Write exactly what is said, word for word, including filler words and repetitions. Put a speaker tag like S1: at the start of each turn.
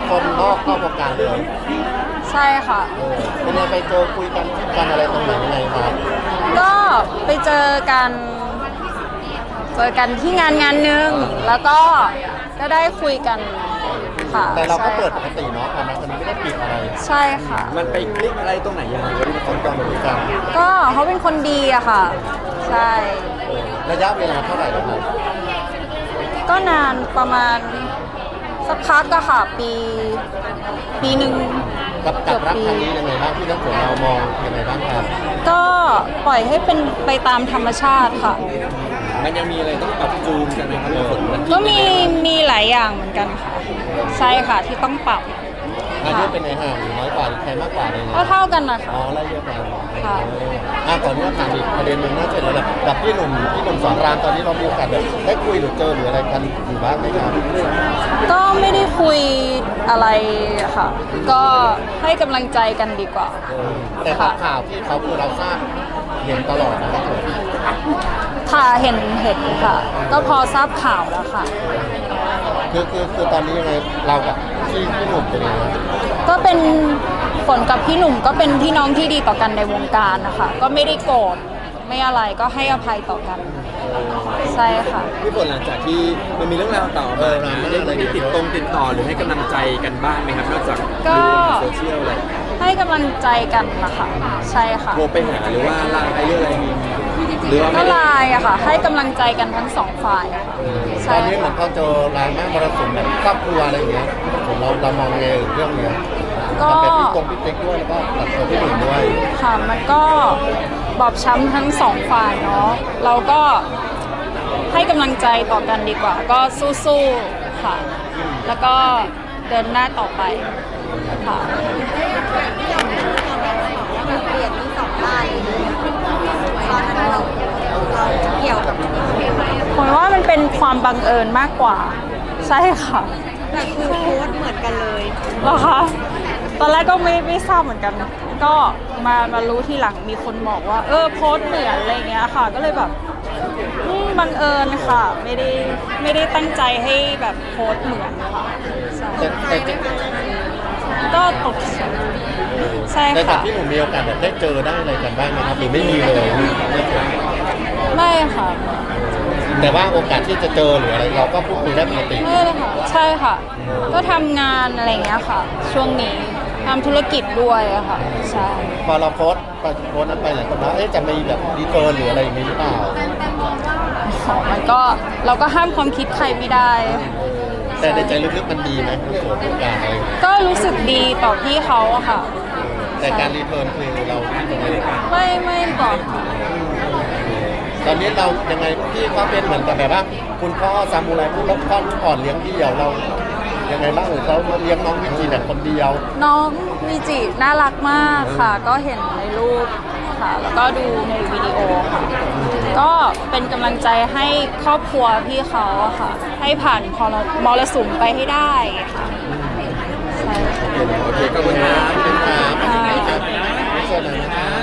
S1: คนนอกเข้าวงการเลย
S2: ใช่ค่ะ
S1: เออเป็นยังไงไปเจอคุยกันกันอะไรตรงไหนยังไงครับ
S2: ก็ไปเจอกันเจอกันที่งานงานหนึ่งแล้วก็ก็ได้คุยกันค่ะ
S1: แต่เราก็
S2: ใช่
S1: เปิดปกติเนาะตอนนั้นมันไม่ได้ปิดอะไร
S2: ใช่ค่ะ
S3: มันไปคลิกอะไรตรงไหนยังไงวะที่
S1: คนกลางคุยกัน
S2: ก็เขาเป็นคนดีอะค่ะ ใช่
S1: เออระยะเวลาเท่าไหร่แล้วครับ
S2: ก็นานประมาณสักพักอะค่ะ ปี ปีหนึ่ง
S1: กับกับรักครั้งนี้ยังไงบ้างที่ทั้งสองเรามองยังไงบ้างครับ
S2: ก็ปล่อยให้เป็นไปตามธรรมชาติค่ะ
S3: มันยังมีอะไรต้องปรับจูนกันไหมครับในผลมัน
S2: ก็มีมีหลายอย่างเหมือนกันค่ะ ใช่ค่ะที่ต้องปรับ
S1: อายุเป็นไงห่างหรือน้อยกว่าหรือใครมากกว่าอะไรเงี้
S2: ก็
S1: ย
S2: เท่ากันนะคะ
S1: อ๋อไล่เยอะกว่า
S2: ค่ะ
S1: เอออ่ะก่อนที่จะถามอีกประเด็นหนึ่งน่าจะเป็นแบบกับพี่หนุ่มพี่หนุ่มสอนรามตอนนี้เรามีโอกาสแบบได้คุยหรือเจอหรืออะไรกันอยู่บ้างไหมครับ
S2: ก็ไม่ได้คุยอะไรอะค่ะ ก็ให้กำลังใจกันดีกว่า
S1: เออแต่ตามข่าวที่เขาคือเราทราบเห็นตลอดนะครับผม
S2: ค่ะเห็นเห็นค่ะ ก็พอทราบข่าวแล้วค่ะ
S1: คือคือคือตอนนี้ยังไงเรากับพี่พี่หนุ่มเป็นยังไง
S2: ก็เป็นฝนกับพี่หนุ่มก็เป็นพี่น้องที่ดีต่อกันในวงการนะคะ ก็ไม่ได้โกรธไม่อะไรก็ให้อภัยต่อกัน ใช่ค่ะ
S3: พี่ฝนหลังจากที่มันมีเรื่องราวต่อมาได้ได้ติดตรงติดต่อหรือให้กำลังใจกันบ้างไหมครับนอกจาก
S2: ก็
S3: ดูในโซเชียลอะไร
S2: ให้กำลังใจกันนะคะใช่ค่ะ
S3: โทรไปหาหรือว่าไลน์ไอเรื่องอะไรมีหรือว่า
S2: ก็
S3: ไม่
S2: ไล
S3: ได้
S2: น์อะค่ะ ให้กำลังใจกันทั้งสองฝ่ายอะค่ะ
S1: ต
S2: ใช่
S1: อนนี้เหมือน
S2: ค่ะ
S1: เขาเจอรายแม่มรสุมแบบครอบครัวอะไรอย่างเงี้ยผมเราเรามองไงเรื่องเนี้ย
S2: ก็
S1: กับแบบพี่ตรงพี่เต็กด้วยแล้วก็กับตัวพี่หนุ่มด้วย
S2: ค่ะมันก็บอบช้ำทั้งสองฝ่ายเนาะเราก็ให้กำลังใจต่อกันดีกว่า ก็สู้ๆค่ะ แล้วก็เดินหน้าต่อไปค่ะ
S4: เปลี่ยนที่สองลายตอนนั้นเราเราเกี่ยวกับ
S2: ผมว่ามันเป็นความบังเอิญมากกว่า ใช่ค่ะ
S4: แต่คือโพสต์เหมือนกันเลย
S2: เหรอคะตอนแรกก็ไม่ไม่ทราบเหมือนกัน ก็มามารู้ทีหลังมีคนบอกว่า เออโพสต์เหมือนอะไรเงี้ยค่ะ ก็เลยแบบอืมบังเอิญค่ะ ไม่ได้ไม่ได้ตั้งใจให้แบบโพสต์เหมือนค่ะใช่
S1: แต่แต่จริง
S2: ก็ตกใจใช่
S1: แต่กับ
S2: ค่ะ
S1: พี่หนุ่มมีโอกาสแบบได้เจอได้อะไรกันบ้างไหมครับหรือไม่มีเลยไม่เคย
S2: ไม่ค่ะ
S1: แต่ว่าโอกาสที่จะเจอหรืออะไรเราก็พูดคุยได้ปกติ
S2: ไม่เลยค่ะ ใช่ค่ะ ก็ทำงานอะไรเงี้ยค่ะ ช่วงนี้ทำธุรกิจด้วยอะค่ะ ใช่
S1: พอเราโพสต์ไปโพสต์นั้นไปหลายคนว่าเอ๊ะจะมีแบบรีเทิร์นหรืออะไรอย่างนี้หรือเปล่า
S2: อ๋อมันก็เราก็ห้ามความคิดใครไม่ได้
S1: แต่ในใจลึกๆมันดีไหมโสดโอกาสอะไรอย่างเงี้ย
S2: ก็รู้สึกดีต่อพี่เขาอะค่ะ
S1: แต่การรีเทิร์นคือเราที่ตรงนี้
S2: ไม่ไม่บอกค่ะ
S1: ตอนนี้เรายังไงพี่ก็เป็นเหมือนกับแบบว่าคุณพ่อซามูไรพูดแล้วพ่อลูกอ่อนเลี้ยงเดี่ยวเรายังไงบ้างหรือเขาเลี้ยงน้องวิจีแบบคนเดียว
S2: น้องวีจิน่ารักมากค่ะ ก็เห็นในรูปค่ะ แล้วก็ดูในวิดีโอค่ะ ก็เป็นกำลังใจให้ครอบครัวพี่เขาอะค่ะ ให้ผ่านพรมรสุมไปให้ได้ค่ะใช่ค่ะ
S3: โอเคขอบคุณครับ
S1: เป็นครับเป็นครับไม่ใช่นะ